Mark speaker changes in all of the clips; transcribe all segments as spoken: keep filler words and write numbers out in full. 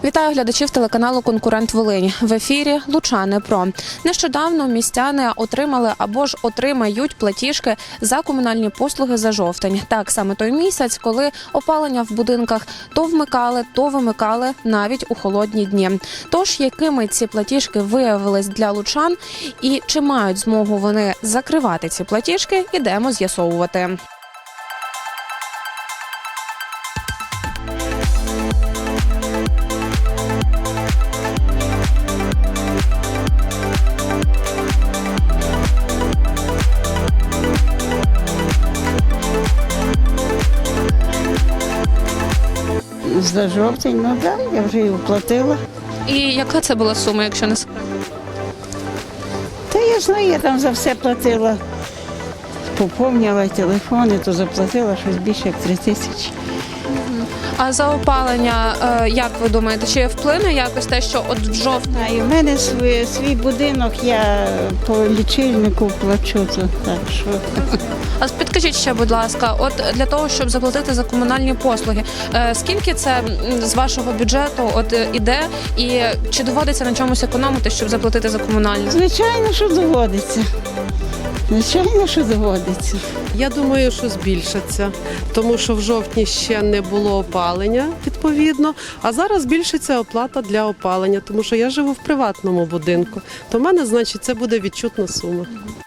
Speaker 1: Вітаю глядачів телеканалу «Конкурент Волинь». В ефірі «Лучани Про». Нещодавно містяни отримали або ж отримають платіжки за комунальні послуги за жовтень. Так, саме той місяць, коли опалення в будинках то вмикали, то вимикали навіть у холодні дні. Тож, якими ці платіжки виявились для лучан і чи мають змогу вони закривати ці платіжки, ідемо з'ясовувати.
Speaker 2: За жовтень, ну так, да, я вже її оплатила.
Speaker 1: І яка це була сума, якщо не секрет?
Speaker 2: Та я знаю, я там за все платила. Поповнила телефони, то заплатила щось більше, як три тисячі.
Speaker 1: А за опалення, е, як ви думаєте, чи вплине якось те, що от в жовтні?
Speaker 2: А і в мене свій, свій будинок, я по лічильнику плачу, то так що.
Speaker 1: А підкажіть ще, будь ласка, от для того, щоб заплатити за комунальні послуги, е, скільки це м, з вашого бюджету от е, іде, і чи доводиться на чомусь економити, щоб заплатити за комунальні?
Speaker 2: Звичайно, що доводиться. Звичайно, що доводиться.
Speaker 3: Я думаю, що збільшиться, тому що в жовтні ще не було опалення, відповідно, а зараз збільшиться оплата для опалення, тому що я живу в приватному будинку, то в мене, значить, це буде відчутна сума.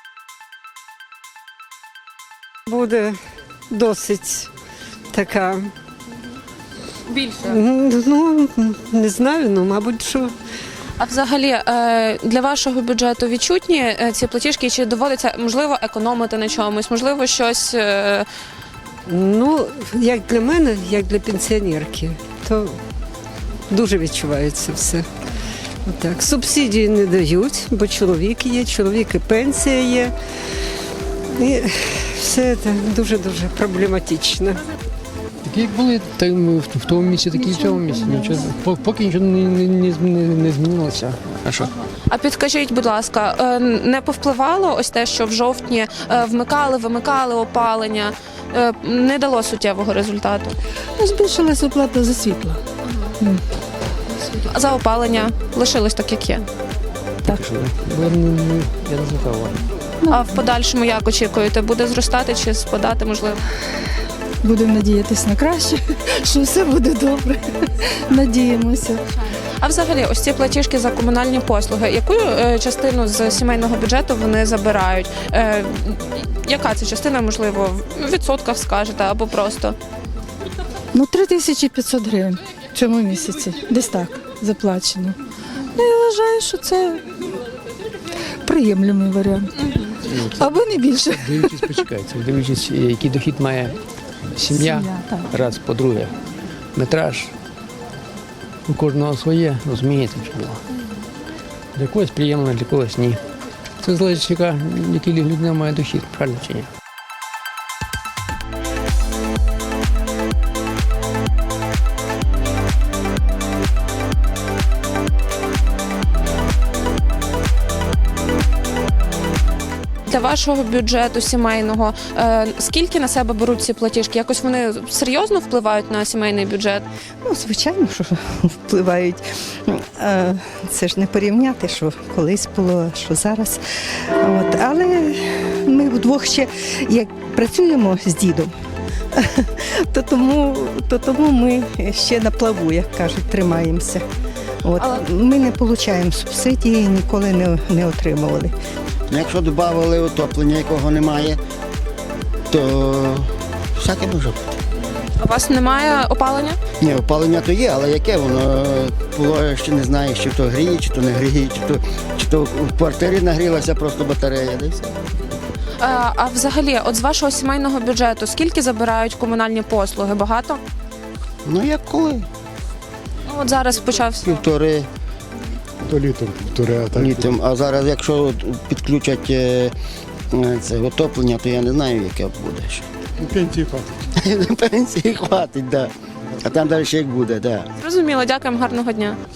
Speaker 4: Буде досить така,
Speaker 1: Більше.
Speaker 4: ну, не знаю, ну, мабуть, що
Speaker 1: А взагалі, е, для вашого бюджету відчутні е, ці платіжки, чи доводиться, можливо, економити на чомусь, можливо, щось... е,
Speaker 4: ну, як для мене, як для пенсіонерки, то дуже відчувається все. Так, субсидії не дають, бо чоловік є, чоловік і пенсія є. І все це дуже-дуже проблематично.
Speaker 5: Такі як були так, в тому місці, такі і в цьому місці. Нічого, по- поки нічого не, не, не, зміни- не змінилося. А що?
Speaker 1: А підкажіть, будь ласка, е, не повпливало ось те, що в жовтні е, вмикали, вимикали опалення, е, не дало суттєвого результату?
Speaker 6: Збільшилася оплата за світло.
Speaker 1: А за опалення лишилось так, як є?
Speaker 5: Так. Що, бо я не, не, я не звертав уваги.
Speaker 1: А в подальшому як очікуєте? Буде зростати чи спадати, можливо?
Speaker 6: Будемо надіятися на краще, що все буде добре. Надіємося.
Speaker 1: А взагалі, ось ці платіжки за комунальні послуги, яку е, частину з сімейного бюджету вони забирають? Е, яка це частина, можливо, в відсотках скажете або просто?
Speaker 6: Ну, три тисячі п'ятсот гривень в цьому місяці. Десь так заплачено. Ну, я вважаю, що це приємлемий варіант. Або не більше.
Speaker 5: Дивлячись, почекайте, дивлячись, який дохід має сім'я,
Speaker 6: Сім'я, так.
Speaker 5: раз, по-друге, метраж. У кожного своє, розумієте, що було. Для когось приємно, для когось ні. Це залежить, яка, який людина має дохід, правильно чи ні?
Speaker 1: Для вашого бюджету сімейного, е, скільки на себе беруть ці платіжки? Якось вони серйозно впливають на сімейний бюджет?
Speaker 7: Ну, звичайно, що впливають. Е, Це ж не порівняти, що колись було, що зараз. От. Але ми вдвох ще як працюємо з дідом, то тому, то тому ми ще на плаву, як кажуть, тримаємося. От.
Speaker 1: Але-
Speaker 7: Ми не отримуємо субсидії, ніколи не, не отримували.
Speaker 8: Якщо додали отоплення, якого немає, то всяке може бути.
Speaker 1: У вас немає опалення?
Speaker 8: Ні, опалення то є, але яке воно? Було, ще не знаю, чи то гріє, чи то не гріє, чи то, чи то в квартирі нагрілася просто батарея, де все.
Speaker 1: А, а взагалі, от з вашого сімейного бюджету, скільки забирають комунальні послуги? Багато?
Speaker 8: Ну як коли?
Speaker 1: Ну, от зараз почався.
Speaker 8: Півтори
Speaker 9: То літом півтори, а так.
Speaker 8: літом. А зараз, якщо підключать е, е, це отоплення, то я не знаю, яке буде ще.
Speaker 9: Ну, пенсії хватить.
Speaker 8: Пенсії хватить, так. Да. А там далі ще як буде, так. Да.
Speaker 1: Зрозуміло, дякуємо, гарного дня.